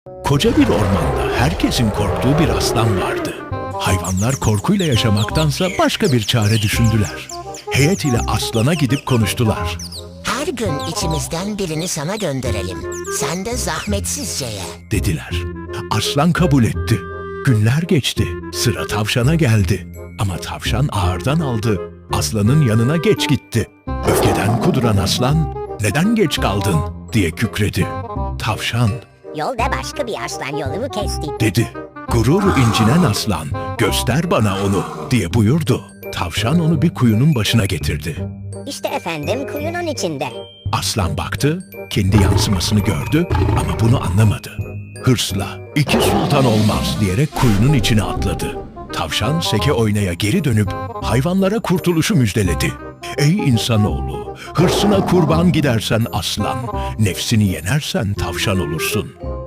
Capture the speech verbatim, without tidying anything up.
Koca bir ormanda herkesin korktuğu bir aslan vardı. Hayvanlar korkuyla yaşamaktansa başka bir çare düşündüler. Heyet ile aslana gidip konuştular. Her gün içimizden birini sana gönderelim. Sen de zahmetsizce ye. Dediler. Aslan kabul etti. Günler geçti. Sıra tavşana geldi. Ama tavşan ağırdan aldı. Aslanın yanına geç gitti. Öfkeden kuduran aslan, "Neden geç kaldın?" diye kükredi. Tavşan, Yolda başka bir aslan yolumu kesti. dedi. Gururu incinen aslan, "Göster bana onu," diye buyurdu. Tavşan onu bir kuyunun başına getirdi. İşte efendim kuyunun içinde. Aslan baktı, kendi yansımasını gördü ama bunu anlamadı. Hırsla "İki sultan olmaz," diyerek kuyunun içine atladı. Tavşan seke oynaya geri dönüp hayvanlara kurtuluşu müjdeledi. "Ey insanoğlu, hırsına kurban gidersen aslan, nefsini yenersen tavşan olursun."